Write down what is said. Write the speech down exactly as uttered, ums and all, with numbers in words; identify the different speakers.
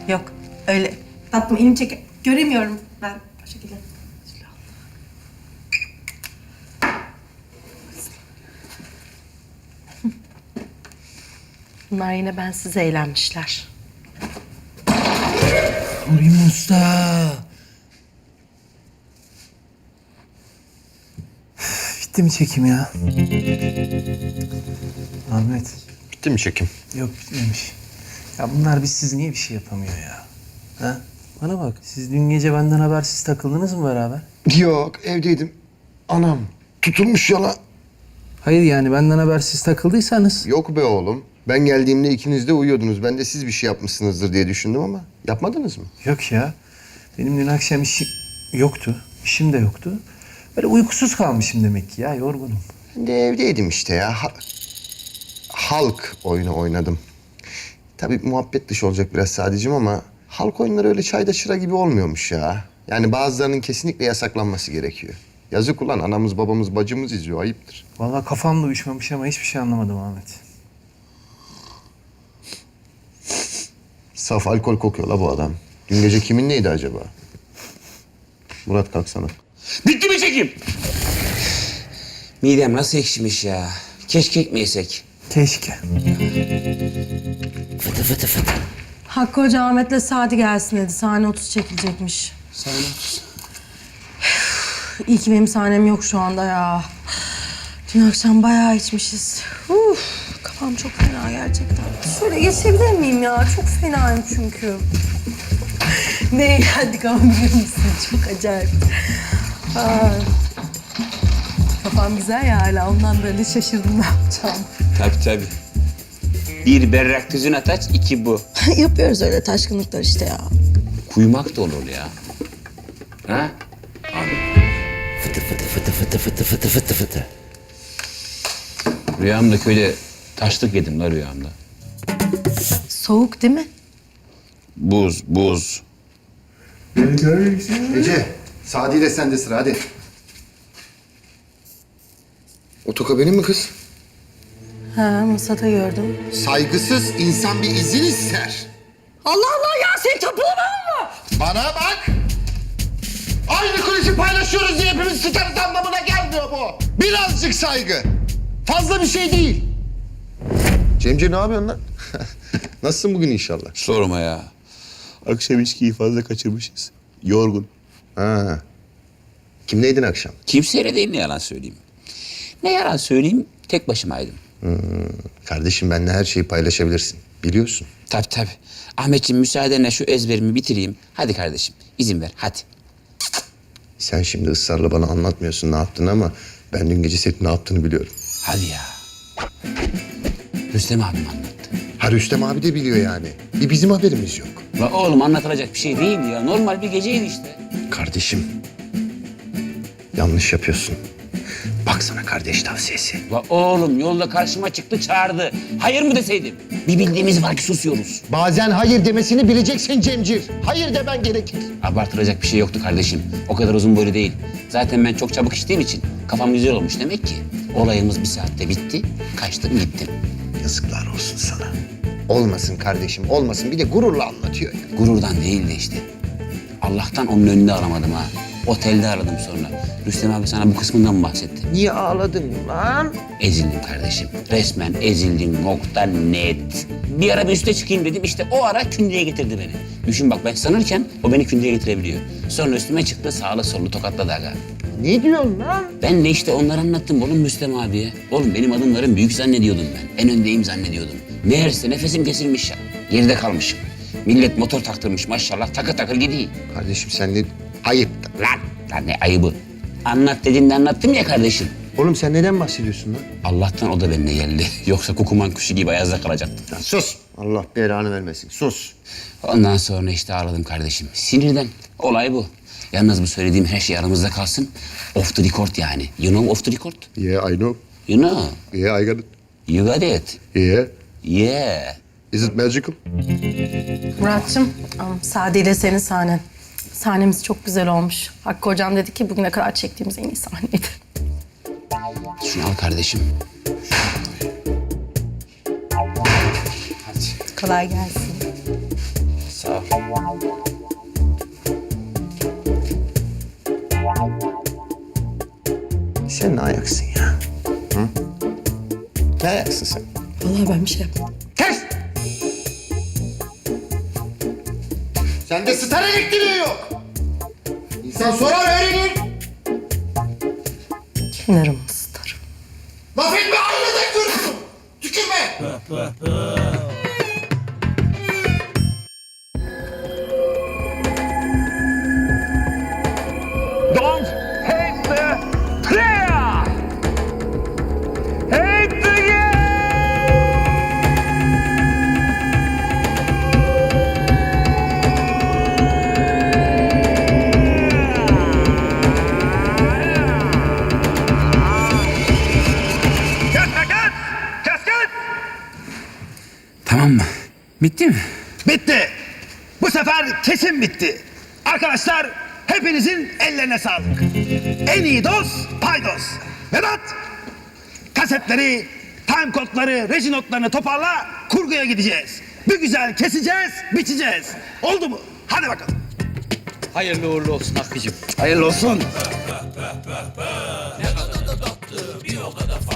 Speaker 1: Yok öyle. Tatlım elimi çek. Göremiyorum ben o şekilde. Bunlar yine bensiz eğlenmişler.
Speaker 2: Nurgül Usta. Bitti mi çekim ya? Ahmet.
Speaker 3: Bitti mi çekim?
Speaker 2: Yok bitmemiş. Ya bunlar bizsiz niye bir şey yapamıyor ya? Ha? Bana bak, siz dün gece benden habersiz takıldınız mı beraber?
Speaker 3: Yok, evdeydim. Anam tutulmuş yala.
Speaker 2: Hayır yani benden habersiz takıldıysanız.
Speaker 3: Yok be oğlum. Ben geldiğimde ikiniz de uyuyordunuz. Ben de siz bir şey yapmışsınızdır diye düşündüm ama yapmadınız mı?
Speaker 2: Yok ya. Benim dün akşam işim yoktu. İşim de yoktu. Böyle uykusuz kalmışım demek ki ya, yorgunum.
Speaker 3: Ben de evdeydim işte ya. Ha- halk oyunu oynadım. Tabii muhabbet dışı olacak biraz sadece ama halk oyunları öyle çayda çıra gibi olmuyormuş ya. Yani bazılarının kesinlikle yasaklanması gerekiyor. Yazık ulan, anamız babamız bacımız izliyor, ayıptır.
Speaker 2: Vallahi kafam da uyuşmamış ama hiçbir şey anlamadım Ahmet.
Speaker 3: Saf alkol kokuyor la bu adam. Dün gece kimin neydi acaba? Murat kalksana.
Speaker 4: Bitti mi çekim? Midem nasıl ekşimiş ya. Keşke ekmeysek.
Speaker 2: Keşke.
Speaker 4: Fıtı fıtı fıtı.
Speaker 1: Hakkı Hoca Ahmet'le Sadi gelsin dedi. Sahne otuz çekilecekmiş.
Speaker 4: Sahne otuz.
Speaker 1: İyi ki benim sahnem yok şu anda ya. Dün akşam bayağı içmişiz. Uf, kafam çok fena gerçekten. Şöyle geçebilir miyim ya? Çok fenayım çünkü. Ne eğlendik ama biliyor musun? Çok acayip. Aa, kafam güzel ya hala. Ondan böyle şaşırdım ne yapacağım.
Speaker 4: Tabii tabii. Bir berrak tüzün ataç, iki bu.
Speaker 1: Yapıyoruz öyle taşkınlıklar işte ya.
Speaker 4: Kuyumak da olur ya. Ha? Abi. Fıtı fıtı fıtı fıtı fıtı fıtı fıtı fıtı. Rüyamda köyde taşlık yedim la rüyamda.
Speaker 1: Soğuk değil mi?
Speaker 4: Buz, buz.
Speaker 3: Ece, Sadi ile sende sıra hadi. Otoka benim mi kız?
Speaker 1: Ha, masada gördüm.
Speaker 3: Saygısız insan bir izin ister.
Speaker 1: Allah Allah ya sen tapulama mı?
Speaker 3: Bana bak! Aynı kulisi paylaşıyoruz diye hepimiz sıçarız anlamına gelmiyor bu. Birazcık saygı. Fazla bir şey değil. Cemce ne yapıyorsun lan? Nasılsın bugün inşallah?
Speaker 4: Sorma ya. Akşam içkiyi fazla kaçırmışız. Yorgun.
Speaker 3: Ha. Kimleydin akşam?
Speaker 4: Kimseyle değil, ne yalan söyleyeyim. Ne yalan söyleyeyim, tek başımaydım.
Speaker 3: Hmm. Kardeşim benimle her şeyi paylaşabilirsin. Biliyorsun.
Speaker 4: Tabii tabii. Ahmetciğim müsaadenle şu ezberimi bitireyim. Hadi kardeşim, izin ver, hadi.
Speaker 3: Sen şimdi ısrarla bana anlatmıyorsun ne yaptığını ama ben dün gece senin ne yaptığını biliyorum.
Speaker 4: Hadi ya. Rüstem abim anlattı.
Speaker 3: Ha Rüstem abi de biliyor yani. Bir bizim haberimiz yok.
Speaker 4: La oğlum anlatılacak bir şey değil ya. Normal bir geceydi işte.
Speaker 3: Kardeşim. Yanlış yapıyorsun. Baksana kardeş tavsiyesi.
Speaker 4: La oğlum yolda karşıma çıktı çağırdı. Hayır mı deseydim? Bir bildiğimiz var ki susuyoruz.
Speaker 3: Bazen hayır demesini bileceksin Cemcir. Hayır demen gerekir.
Speaker 4: Abartılacak bir şey yoktu kardeşim. O kadar uzun boylu değil. Zaten ben çok çabuk içtiğim için kafam güzel olmuş demek ki. Olayımız bir saatte bitti. Kaçtım gittim.
Speaker 3: Yazıklar olsun sana. Olmasın kardeşim, olmasın. Bir de gururla anlatıyor ya.
Speaker 4: Gururdan değil de işte. Allah'tan onun önünde aramadım ha. Otelde aradım sonra. Rüstem abi sana bu kısmından mı bahsetti?
Speaker 3: Niye ağladın lan?
Speaker 4: Ezildim kardeşim. Resmen ezildim. Nokta net. Bir ara bir üste çıkayım dedim. İşte o ara kündeye getirdi beni. Düşün bak, ben sanırken o beni kündeye getirebiliyor. Sonra üstüme çıktı, sağlı sollu tokatladı aga.
Speaker 3: Ne diyorsun lan?
Speaker 4: Ben de işte onları anlattım oğlum Rüstem abiye. Oğlum benim adımlarım büyük zannediyordum ben. En öndeyim zannediyordum. Meğerse nefesim kesilmiş ya. Geride kalmışım. Millet motor taktırmış maşallah, takır takır gidiyor.
Speaker 3: Kardeşim sen ne... Ayıp.
Speaker 4: Lan, lan ne ayıbı. Anlat dediğinde anlattım ya kardeşim.
Speaker 3: Oğlum sen neden bahsediyorsun lan?
Speaker 4: Allah'tan o da benimle geldi. Yoksa kukuman kuşu gibi ayazda kalacaktı.
Speaker 3: Lan sus. Allah belanı vermesin. Sus.
Speaker 4: Ondan sonra işte ağladım kardeşim. Sinirden. Olay bu. Yalnız bu söylediğim her şey aramızda kalsın. Off the record yani. You know off the record?
Speaker 3: Yeah, I know.
Speaker 4: You know.
Speaker 3: Yeah, I got it.
Speaker 4: You got it.
Speaker 3: Yeah.
Speaker 4: Yeah.
Speaker 3: Is it magical?
Speaker 1: Murat'cığım, am, Sadi ile senin sahnen. Sahnemiz çok güzel olmuş. Hakkı Hocam dedi ki bugüne kadar çektiğimiz en iyi sahneydi.
Speaker 4: Şunu al kardeşim. Hadi.
Speaker 1: Kolay gelsin.
Speaker 4: Sağ ol.
Speaker 3: Sen ne ayaksın ya? Hı? Ne ayaksın sen?
Speaker 1: Vallahi ben bir şey yapmadım.
Speaker 3: Kes! Sende star elektriği yok. İnsan sorar öğrenir.
Speaker 1: Kenarım ısıtırım.
Speaker 3: Laf etme aynada görürsün. Tükürme.
Speaker 5: Don't hate the player! Hate the Kasket! Kasket!
Speaker 4: Tamam mı? Bitti mi?
Speaker 6: Bitti. Bu sefer kesin bitti. Arkadaşlar hepinizin ellerine sağlık. En iyi dost paydos. Vedat, kasetleri, time kodları, reji notlarını toparla, kurguya gideceğiz. Bir güzel keseceğiz, biçeceğiz. Oldu mu? Hadi bakalım.
Speaker 7: Hayırlı uğurlu olsun Hakkı'cığım.
Speaker 6: Hayırlı olsun.